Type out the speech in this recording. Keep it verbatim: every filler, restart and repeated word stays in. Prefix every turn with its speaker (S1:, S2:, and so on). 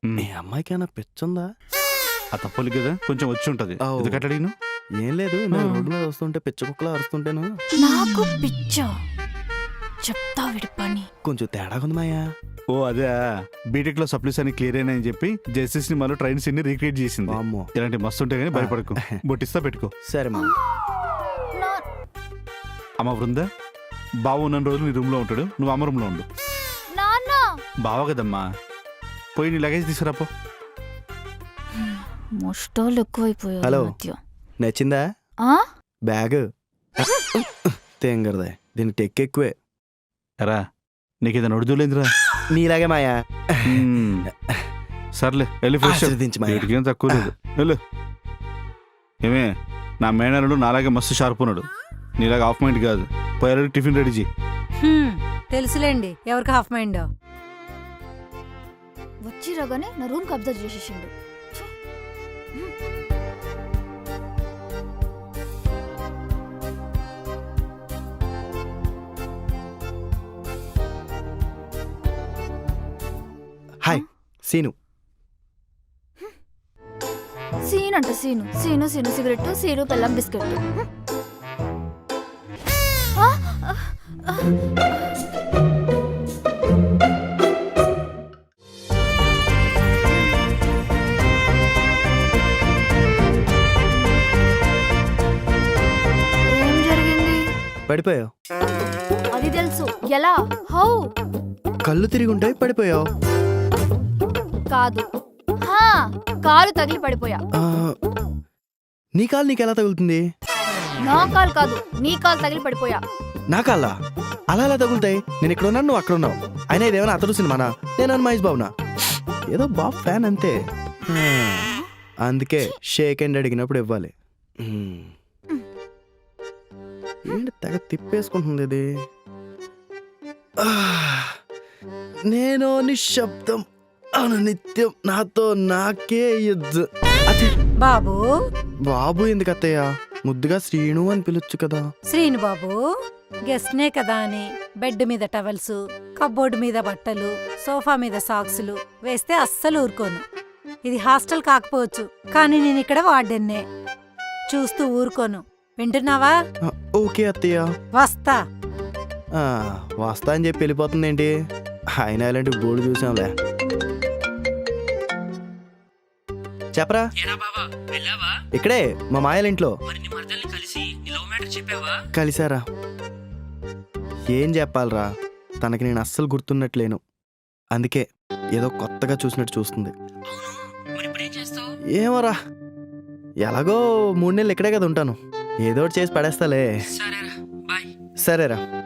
S1: ఈ అమ్మాయికి ఏమైనా పిచ్చుందా?
S2: ఆ తప్పలు కదా కొంచెం వచ్చి ఉంటది. ఎందుకంటే అడిగిను
S1: ఏం లేదు, నేను రోడ్డు మీద వస్తుంటే పిచ్చ కుక్కలా అరుస్తుంటేను.
S3: నాకు పిచ్చ చెప్తా విడి పని.
S1: కొంచెం తేడా ఉంది మాయా.
S2: ఓ అదే బీటెక్ లో సప్లీస్ అని క్లియర్ అయినా అని చెప్పి జెస్టిస్ ని మళ్ళీ ట్రైన్స్ ని రీక్రియేట్ చేసింది.
S1: అమ్మో,
S2: ఇలాంటి మస్తు ఉంటాయి కానీ భయపడకు. బొట్టిస్తా పెట్టుకో.
S1: సరే మా.
S2: అమ్మ బృంద, బావ ఉన్న రోజులు నీ రూమ్ లో ఉంటాడు, నువ్వు అమ్మ రూమ్ లో ఉండు. బావ కదమ్మా, పోయి నీ లగేజ్ తీసుకురాపో.
S3: ముష్టాలు ఎక్కువైపోయాయి.
S1: హలో,
S3: మధ్య
S1: నచ్చిందా బ్యాగ్? తేంగరదే, దీనికి టెక్ ఎక్కువే.
S2: ఎరా నీకు ఏదైనా ఉడుదులేదురా?
S1: నీలాగే మాయా.
S2: సర్లే వెళ్ళి ఫ్రెష్ ఏం తక్కువ లేదు. వెళ్ళు. ఏమే, నా మేనరుడు నాలాగే మస్తు షార్ప్ ఉన్నాడు, నీలాగా హాఫ్ మైండ్ కాదు. పోయారు టిఫిన్ రెడీ చేయి.
S4: తెలుసులేండి ఎవరికి హాఫ్ మైండ్.
S3: వచ్చి రాగానే నా రూమ్ కబ్జా చేసేసిండు.
S1: హాయ్ సీను.
S3: సీన్ అంట సీను. సీను సీను సిగరెట్, సీను బెల్లం బిస్కెట్. ఏం జరిగింది?
S1: పడిపోయావు.
S3: అది తెలుసు. ఎలా? హౌ?
S1: కళ్ళు తిరిగి ఉంటాయి, పడిపోయావు.
S3: కాదు, హా, కాలు తగిలి పడిపోయా.
S1: నీ కాలు నీకు ఎలా తగులుతుంది?
S3: నా కాలు కాదు, నీ కాలు తగిలి పడిపోయా.
S1: నా కాళ్ళ అలా ఎలా తగులుతాయి? నేను ఇక్కడ ఉన్నాను, నువ్వు అక్కడ ఉన్నావు. అయినా ఇదేమైనా అతడు సినిమానా? నేను మహేష్ బాబునా? ఏదో బాబు ఫ్యాన్ అంతే. అందుకే షేక్ అండ్ అడిగినప్పుడు ఇవ్వాలి. ఏంటి తెగ తిప్పేసుకుంటుంది ఇది? నేను నిశ్శబ్దం అను నిత్యం నాతో నాకే యుద్ధం. అదే
S4: బాబు.
S1: బాబు ఎందుకు అత్తయ్య? ముద్దుగా శ్రీను అని పిలొచ్చు కదా.
S4: శ్రీను బాబు, గెస్ట్నే కదా అని బెడ్ మీద టవల్స్, కబ్బోర్డు మీద బట్టలు, సోఫా మీద సాక్సులు వేస్తే అస్సలు ఊరుకోను. ఇది హాస్టల్ కాకపోవచ్చు, కానీ నేను ఇక్కడ వార్డెన్నే. చూస్తూ ఊరుకోను. వింటున్నావా?
S1: ఓకే అత్తయ్య,
S4: వస్తా.
S1: వస్తా అని చెప్పి వెళ్ళిపోతుంది ఏంటి? అయినా ఇలాంటి బోర్డు చూసాంలే. చెప్పరా. ఇక్కడే మా మాయల ఇంట్లో. కలిసారా? ఏం చెప్పాలరా, తనకి నేను అస్సలు గుర్తున్నట్లేను. అందుకే ఏదో కొత్తగా చూసినట్టు చూస్తుంది. ఏమోరా, ఎలాగో మూడు నెలలు ఇక్కడే కదా ఉంటాను. ఏదో చేసి పడేస్తాలే. సరేరా.